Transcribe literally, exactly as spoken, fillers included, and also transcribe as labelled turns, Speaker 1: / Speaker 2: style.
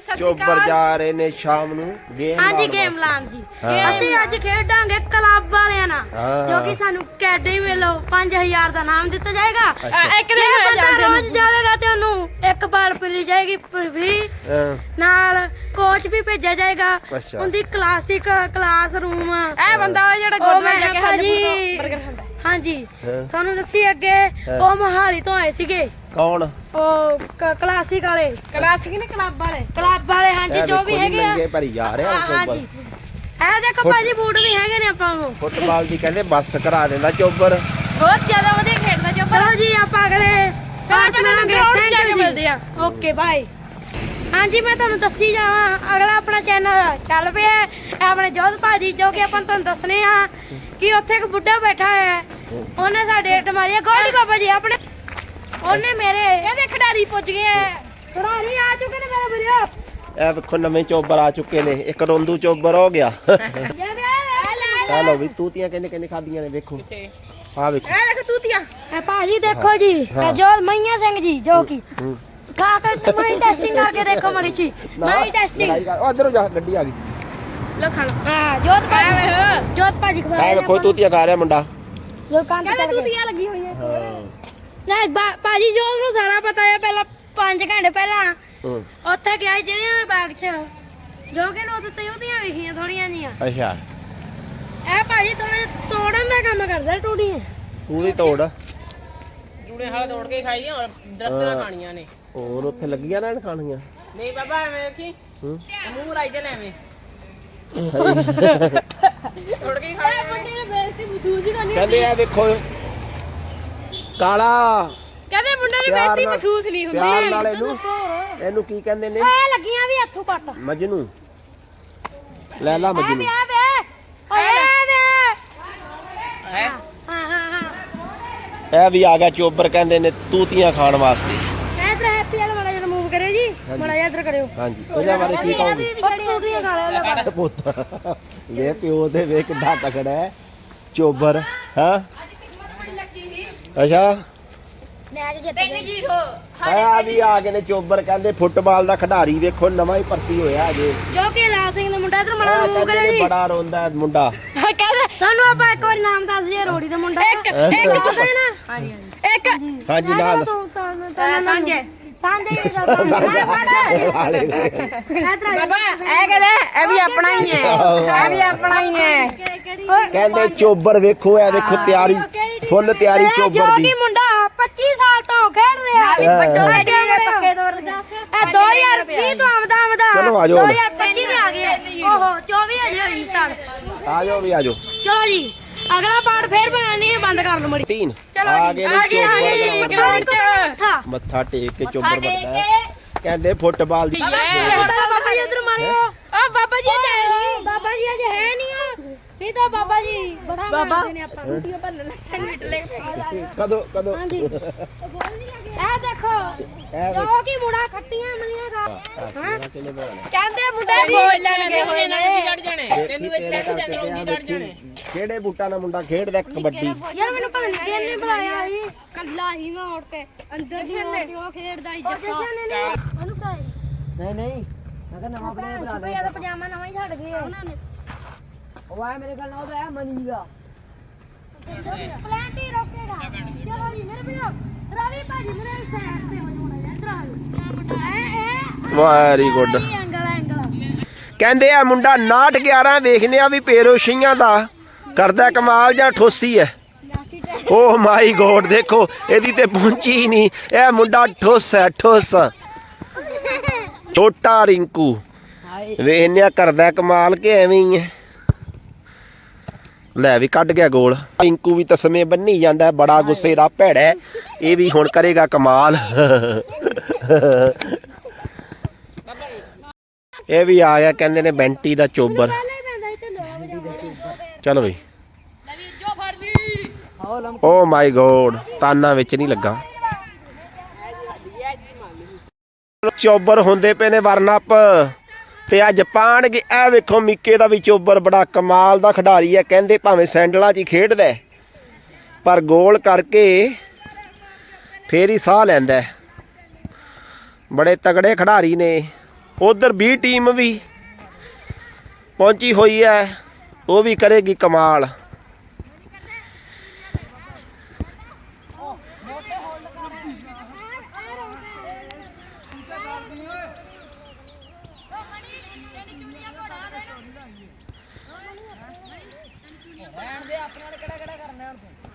Speaker 1: ਚੋਬਰ ਜਾ ਰਹੇ ਨੇ ਸ਼ਾਮ ਨੂੰ ਗੇਮ
Speaker 2: हाँ जी गेम लान जी ਅਸੀਂ ਅੱਜ ਖੇਡਾਂਗੇ ਕਲੱਬ ਵਾਲਿਆਂ ਨਾਲ ਜੋ ਕਿ ਸਾਨੂੰ ਅਕੈਡਮੀ ਵੱਲੋਂ ਪੰਜ ਹਜ਼ਾਰ ਦਾ ਨਾਮ ਦਿੱਤਾ ਜਾਏਗਾ ਇੱਕ ਦਿਨ ਰੋਜ਼ ਜਾਵੇਗਾ ਤੇ ਉਹਨੂੰ ਇੱਕ ਬਾਲ ਮਿਲੀ ਜਾਏਗੀ ਫ੍ਰੀ ਨਾਲ ਕੋਚ ਵੀ ਭੇਜਿਆ ਜਾਏਗਾ ਉਹਦੀ ਕਲਾਸਿਕ ਕਲਾਸਰੂਮ ਇਹ ਬੰਦਾ ਉਹ ਜਿਹੜਾ ਗੁਰਦੁਆਰੇ ਜਾ ਕੇ ਹਾਜੀ 버ਗਰ ਖਾਂਦਾ ਹਾਂਜੀ ਤੁਹਾਨੂੰ ਦੱਸੀ ਅੱਗੇ ਉਹ ਮੋਹਾਲੀ ਤੋਂ ਆਏ ਸੀਗੇ ਕੌਣ ਉਹ ਕਲਾਸਿਕ ਵਾਲੇ ਕਲਾਸਿਕ ਨੇ ਕਲੱਬ ਵਾਲੇ ਕਲੱਬ ਵਾਲੇ ਹਾਂਜੀ ਜੋ ਵੀ ਹੈਗੇ ਆ ਭਰੀ ਜਾ ਰਹੇ ਆ ਹਾਂਜੀ ਇਹ ਦੇਖੋ ਭਾਜੀ ਬੂਟ ਵੀ ਹੈਗੇ ਨੇ ਆਪਾਂ ਨੂੰ ਫੁੱਟਬਾਲ ਦੀ ਕਹਿੰਦੇ ਬੱਸ ਕਰਾ ਦਿੰਦਾ ਚੋਬਰ ਬਹੁਤ ਜ਼ਿਆਦਾ ਵਧੀਆ ਖੇਡਦਾ ਚੋਬਰ ਚਲੋ ਜੀ ਆਪਾਂ ਅਗਲੇ ਪਾਰਟ ਨਾਲ ਗਰਾਊਂਡ ਜਾ ਕੇ ਮਿਲਦੇ ਆ ਓਕੇ ਬਾਏ ਹਾਂਜੀ ਮੈਂ ਤੁਹਾਨੂੰ ਦੱਸੀ ਜਾਵਾਂ ਅਗਲਾ ਆਪਣਾ ਚੈਨਲ ਚੱਲ ਪਿਆ ਆਪਣੇ ਜੋਧ ਭਾਜੀ ਜੋ ਕਿ ਆਪਾਂ ਤੁਹਾਨੂੰ ਦੱਸਣੇ ਆ ਕਿ ਉੱਥੇ ਇੱਕ ਬੁੱਢਾ ਬੈਠਾ ਹੈ ਉਹਨੇ ਸਾਡੇ ਇੱਟ ਮਾਰੀ ਗੋਲਡੀ ਬਾਬਾ ਜੀ ਆਪਣੇ ਉਹਨੇ ਮੇਰੇ ਇਹਦੇ ਖਿਡਾਰੀ ਪੁੱਜ ਗਏ ਖਿਡਾਰੀ ਆ ਚੁੱਕੇ ਨੇ ਮੇਰੇ ਵੀਰੋ ਇਹ ਵੇਖੋ ਨਵੇਂ ਚੋਬਰ ਆ ਚੁੱਕੇ ਨੇ ਇੱਕ ਰੋਂਦੂ ਚੋਬਰ ਹੋ ਗਿਆ ਚਲੋ ਵੀ ਤੂਤੀਆਂ ਕਹਿੰਦੇ ਕਹਿੰਦੇ ਖਾਦੀਆਂ ਨੇ ਵੇਖੋ ਆ ਵੇਖੋ ਇਹ ਦੇਖੋ ਤੂਤੀਆਂ ਇਹ ਭਾਜੀ ਦੇਖੋ ਜੀ ਜੋ ਮਈਆ ਸਿੰਘ ਜੀ ਜੋ ਕੀ ਖਾ ਕੇ ਮਾਈ ਟੈਸਟਿੰਗ ਕਰਕੇ ਦੇਖੋ ਮੜੀ ਜੀ ਮਾਈ ਟੈਸਟਿੰਗ ਉਧਰੋਂ ਜਾ ਗੱਡੀ ਆ ਗਈ ਲੋ ਖਾ ਲੋ ਹਾਂ ਜੋਤ ਭਾਜੀ ਜੋਤ ਭਾਜੀ ਖਵਾ ਰਿਹਾ ਵੇਖੋ ਤੂਤੀਆਂ ਖਾ ਰਿਹਾ ਮੁੰਡਾ ਲੋਕਾਂ ਤੇ ਤੂਤੀਆਂ ਲੱਗੀ ਹੋਈਆਂ ਨਹੀਂ ਭਾਜੀ ਜੋ ਨੂੰ ਸਾਰਾ ਪਤਾ ਹੈ ਪਹਿਲਾਂ ਪੰਜ ਘੰਟੇ ਪਹਿਲਾਂ ਉੱਥੇ ਗਿਆ ਜਿਹੜਿਆਂ ਦੇ ਬਾਗ 'ਚ ਜੋ ਕਿ ਨੂੰ ਉੱਤੇ ਉਹਦੀਆਂ ਵਿਖੀਆਂ ਥੋੜੀਆਂ ਜੀਆਂ ਅੱਛਾ ਇਹ ਭਾਜੀ ਥੋੜੇ ਤੋੜਨ ਦਾ ਕੰਮ ਕਰਦਾ ਟੂੜੀਆਂ ਪੂਰੀ ਤੋੜ ਜੂੜੇ ਹਾਲੇ ਤੋੜ ਕੇ ਖਾਈਆਂ ਔਰ ਦਰਖਤ ਨਾਲ ਖਾਣੀਆਂ ਨੇ ਹੋਰ ਉੱਥੇ ਲੱਗੀਆਂ ਰਹਿਣ ਖਾਣੀਆਂ ਨਹੀਂ ਬਾਬਾ ਐਵੇਂ ਕੀ ਮੂੰਹ ਰਾਈ ਦੇ ਲੈਵੇਂ ਤੋੜ ਕੇ ਖਾਣੀਆਂ ਮੁੰਡੇ ਨੇ ਬੇਇੱਜ਼ਤੀ ਮਹਿਸੂਸ ਹੀ ਕਰਨੀ ਕਹਿੰਦੇ ਆ ਵੇਖੋ ਕਾਲਾ ਕਹਿੰਦੇ ਮੁੰਡੇ ਨੂੰ ਬੇਇੱਜ਼ਤੀ ਮਹਿਸੂਸ ਨਹੀਂ ਹੁੰਦੀ ਪਿਆਰ ਨਾਲ ਇਹਨੂੰ ਇਹਨੂੰ ਕੀ ਕਹਿੰਦੇ ਨੇ ਐ ਲੱਗੀਆਂ ਵੀ ਹੱਥੋਂ ਕੱਟ ਮਜਨੂ ਲੈ ਲਾ ਮਜਨੂ ਆ ਵੇ ਓਏ ਵੇ ਹਾਂ ਹਾਂ ਹਾਂ ਇਹ ਵੀ ਆ ਗਿਆ ਚੋਬਰ ਕਹਿੰਦੇ ਨੇ ਤੂਤੀਆਂ ਖਾਣ ਵਾਸਤੇ ਇਧਰ ਹੈਪੀ ਵਾਲਾ ਮਾੜਾ ਜਿਹਾ ਮੂਵ ਕਰਿਓ ਜੀ ਮਾੜਾ ਜਿਹਾ ਇਧਰ ਕਰਿਓ ਹਾਂਜੀ ਇਹਦੇ ਬਾਰੇ ਕੀ ਕਹੋਗੇ ਤੂਤੀਆਂ ਖਾ ਲਿਆ ਪੁੱਤ ਇਹ ਪਿਓ ਦੇ ਵੇ ਕਿੱਡਾ ਤਕੜਾ ਹੈ ਚੋਬਰ ਹਾਂ ਅੱਛਾ ਮੈਚ ਜਿੱਤ ਗਏ ਜ਼ੀਰੋ ਆ ਵੀ ਆ ਗਏ ਨੇ ਚੋਬਰ ਕਹਿੰਦੇ ਫੁੱਟਬਾਲ ਦਾ ਖਿਡਾਰੀ ਵੇਖੋ ਨਵਾਂ ਹੀ ਭਰਤੀ ਹੋਇਆ ਅਜੇ ਜੋ ਕਿ ਲਾਲ ਸਿੰਘ ਦਾ ਮੁੰਡਾ ਇਧਰ ਮੜਾ ਮੂਵ ਕਰਿਓ ਜੀ ਬੜਾ ਰੋਂਦਾ ਮੁੰਡਾ ਕਹਿੰਦਾ ਸਾਨੂੰ ਆਪਾਂ ਇੱਕ ਵਾਰੀ ਨਾਮ ਦੱਸ ਜੀ ਰੋੜੀ ਦਾ ਮੁੰਡਾ ਇੱਕ ਇੱਕ ਨਾ ਹਾਂਜੀ ਇੱਕ ਹਾਂਜੀ ਨਾਲ ਸਾਂਝੇ ਸਾਂਝੇ ਬਾਬਾ ਇਹ ਕਹਿੰਦੇ ਇਹ ਵੀ ਆਪਣਾ ਹੀ ਹੈ ਇਹ ਵੀ ਆਪਣਾ ਹੀ ਹੈ ਕਹਿੰਦੇ ਚੋਬਰ ਵੇਖੋ ਇਹ ਵੇਖੋ ਤਿਆਰੀ ਫੁੱਲ ਤਿਆਰੀ ਚੋਬਰ ਦੀ ਮੁੰਡਾ ਪੱਚੀ ਸਾਲ ਤੋਂ ਖੇਡ ਰਿਹਾ ਵੀ ਵੱਡੋ ਵੱਡੇ ਪੱਕੇ ਦੌਰ ਦਾ ਇਹ ਦੋ ਹਜ਼ਾਰ ਵੀਹ ਤੋਂ ਆਮਦਾ ਆਮਦਾ ਦੋ ਹਜ਼ਾਰ ਪੱਚੀ ਦੇ ਆ ਗਏ ਓਹੋ ਚੌਵੀ ਹਜ਼ਾਰ ਹੋਈ ਸਟਾਰਟ ਆ ਜਾਓ ਵੀ ਆ ਜਾਓ ਚਲੋ ਜੀ ਅਗਲਾ ਪਾਰਟ ਫੇਰ ਬਣਾਣੀ ਹੈ ਬੰਦ ਕਰ ਲਓ ਮੜੀ ਤਿੰਨ ਆ ਗਏ ਨੇ ਚੋਬਰ ਮੱਥਾ ਟੇਕ ਕੇ ਚੋਬਰ ਵੱਡਾ ਕਹਿੰਦੇ ਫੁੱਟਬਾਲ ਦੀ ਬਾਬਾ ਜੀ ਉਧਰ ਮਾਰਿਓ ਆ ਬਾਬਾ ਜੀ ਅਜੇ ਹੈ ਨਹੀਂ ਬਾਬਾ ਜੀ ਅਜੇ ਹੈ ਨਹੀਂ ਨਹੀਂ ਤਾਂ ਬਾਬਾ ਜੀ ਬੜਾ ਮਾਰਦੇ ਨੇ ਆਪਾਂ ਟੂਟੀਆਂ ਭਰਨ ਲੱਗੇ ਨਿਟਲੇ ਕਦੋਂ ਕਦੋਂ ਇਹ ਦੇਖੋ ਜੋ ਕੀ ਮੁੰਡਾ ਖੱਟੀਆਂ ਮਲੀਆਂ ਖਾ ਹਾਂ ਕਹਿੰਦੇ ਮੁੰਡੇ ਬੋਲ ਲੱਗੇ ਹੋਏ ਨੇ ਜੜ ਜਾਣੇ ਤੈਨੂੰ ਇੱਥੇ ਜਾਣੇ ਜੜ ਜਾਣੇ ਕਿਹੜੇ ਬੂਟਾਂ ਨਾਲ ਮੁੰਡਾ ਖੇਡਦਾ ਕਬੱਡੀ ਯਾਰ ਮੈਨੂੰ ਪਤਾ ਨਹੀਂ ਕਿਹਨੇ ਬੁਲਾਇਆ ਸੀ ਕੱਲਾ ਹੀ ਮੈਂ ਉੱਠ ਕੇ ਅੰਦਰ ਦੀ ਉਹ ਖੇਡਦਾ ਸੀ ਜੱਸਾ ਉਹਨੂੰ ਕਹੇ ਨਹੀਂ ਨਹੀਂ ਮੈਂ ਕਿਹਾ ਨਵਾਂ ਪਲੇਅਰ ਬੁਲਾ ਦੇ ਇਹਦਾ ਪਜਾਮਾ ਨਵਾਂ ਹੀ ਛੱਡ ਗਏ ਉਹਨਾਂ ਨੇ ਉਹ ਆ ਮੇਰੇ ਕੋਲ ਨਾ ਉਹ ਮਨੀ ਦਾ ਪਲੈਂਟੀ ਰੋਕੇਗਾ ਚਲੋ ਜੀ ਮੇਰੇ ਵੀਰੋ ਰਵੀ ਭਾਜੀ ਮੇਰੇ ਸਾਈਡ ਤੇ ਹੋ ਜਾਣਾ ਇਧਰ ਵੈਰੀ ਗੁੱਡ ਐਂਗਲ ਐਂਗਲ ਕਹਿੰਦੇ ਆ ਮੁੰਡਾ ਨਾਟ ਗਿਆਰਾਂ ਵੇਖਨੇ ਆ ਵੀ ਪੇਰੋਸ਼ੀਆਂ ਦਾ ਕਰਦਾ ਕਮਾਲ ਜਾਂ ਠੋਸੀ ਹੈ ਓ ਮਾਈ ਗੋਡ ਦੇਖੋ ਇਹਦੀ ਤੇ ਪਹੁੰਚੀ ਨਹੀਂ ਇਹ ਮੁੰਡਾ ਠੋਸ ਹੈ ਠੋਸ ਛੋਟਾ ਰਿੰਕੂ ਵੇਖਨੇ ਆ ਕਰਦਾ ਕਮਾਲ ਕੇ ਐਵੇਂ ਹੀ ਹੈ ਲੈ ਵੀ ਕੱਢ ਗਿਆ ਗੋਲ ਰਿੰਕੂ ਵੀ ਤਸਮੇ ਬੰਨੀ ਜਾਂਦਾ ਬੜਾ ਗੁੱਸੇ ਦਾ ਭੈੜਾ ਇਹ ਵੀ ਹੁਣ ਕਰੇਗਾ ਕਮਾਲ ਇਹ ਵੀ ਆ ਗਿਆ ਕਹਿੰਦੇ ਨੇ ਬੈਂਟੀ ਦਾ ਚੋਬਰ ਚਲੋ ਬਈ ਓ ਮਾਈ ਗੋਡ ਤਾਨਾ ਵਿੱਚ ਨਹੀਂ ਲੱਗਾ ਚੋਬਰ ਹੁੰਦੇ ਪਏ ਨੇ ਵਰਨਅਪ ਤੇ ਅੱਜ ਪਾਣਗੇ ਇਹ ਵੇਖੋ ਮਿੱਕੇ ਦਾ ਵੀ ਚੋਬਰ ਬੜਾ ਕਮਾਲ ਦਾ ਖਿਡਾਰੀ ਹੈ ਕਹਿੰਦੇ ਭਾਵੇਂ ਸੈਂਡਲਾਂ 'ਚ ਹੀ ਖੇਡਦਾ ਪਰ ਗੋਲ ਕਰਕੇ ਫੇਰ ਹੀ ਸਾਹ ਲੈਂਦਾ ਬੜੇ ਤਗੜੇ ਖਿਡਾਰੀ ਨੇ
Speaker 1: ਉਧਰ ਵੀਹ ਟੀਮ ਵੀ ਪਹੁੰਚੀ ਹੋਈ ਹੈ, ਉਹ ਵੀ ਕਰੇਗੀ ਕਮਾਲ।
Speaker 3: ਰਹਿਣ ਦੇ ਆਪਣੇ ਨਾਲ ਕਿਹੜਾ ਕਿਹੜਾ ਕਰਨਾ ਹੁਣ ਤੂੰ।